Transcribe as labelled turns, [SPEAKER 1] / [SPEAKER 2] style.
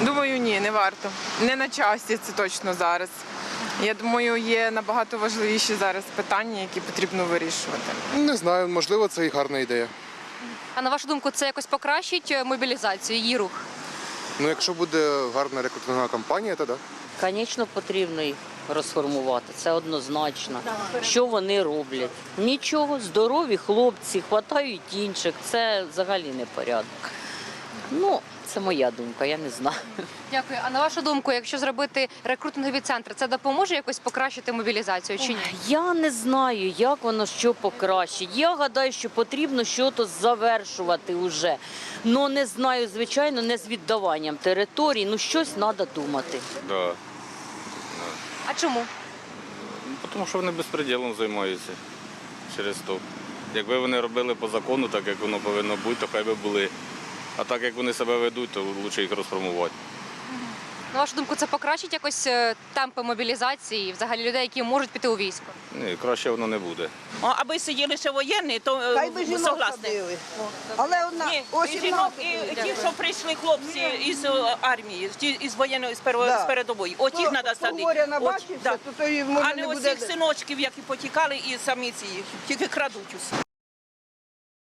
[SPEAKER 1] Думаю, ні, не варто. Не на часі це точно зараз. Я думаю, є набагато важливіші зараз питання, які потрібно вирішувати.
[SPEAKER 2] Не знаю, можливо, це і гарна ідея.
[SPEAKER 3] А на вашу думку, це якось покращить мобілізацію, її рух?
[SPEAKER 2] Ну, якщо буде гарна рекрутингова кампанія, то так.
[SPEAKER 4] Звісно, потрібно їх розформувати, це однозначно. Що вони роблять? Нічого, здорові хлопці, хватають інших, це взагалі не порядок. Ну, це моя думка, я не знаю.
[SPEAKER 3] Дякую. А на вашу думку, якщо зробити рекрутингові центри, це допоможе якось покращити мобілізацію чи ні?
[SPEAKER 4] Я не знаю, як воно що покращить. Я гадаю, що потрібно щось завершувати вже. Ну, не знаю, звичайно, не з віддаванням територій, ну щось треба думати.
[SPEAKER 5] Да.
[SPEAKER 3] А чому?
[SPEAKER 5] Тому що вони безпреділом займаються через то. Якби вони робили по закону, так як воно повинно бути, то хай би були. А так як вони себе ведуть, то краще їх розформувати.
[SPEAKER 3] На вашу думку, це покращить якось темпи мобілізації, взагалі людей, які можуть піти у військо?
[SPEAKER 5] Ні, краще воно не буде.
[SPEAKER 6] Аби сиділи ще воєнні, то
[SPEAKER 7] Хай би жінок
[SPEAKER 6] согласні.
[SPEAKER 7] садили. Але одна
[SPEAKER 6] Ні,
[SPEAKER 7] о
[SPEAKER 6] і жінок,
[SPEAKER 7] 17
[SPEAKER 6] і ті, що прийшли хлопці із армії, із воєнної, з передової. От їх треба садити.
[SPEAKER 7] Горя
[SPEAKER 6] От,
[SPEAKER 7] набачився,
[SPEAKER 6] да.
[SPEAKER 7] то той може
[SPEAKER 6] А
[SPEAKER 7] не
[SPEAKER 6] не
[SPEAKER 7] буде.
[SPEAKER 6] оцих синочків, які потікали, і самі ці, тільки крадуть усе.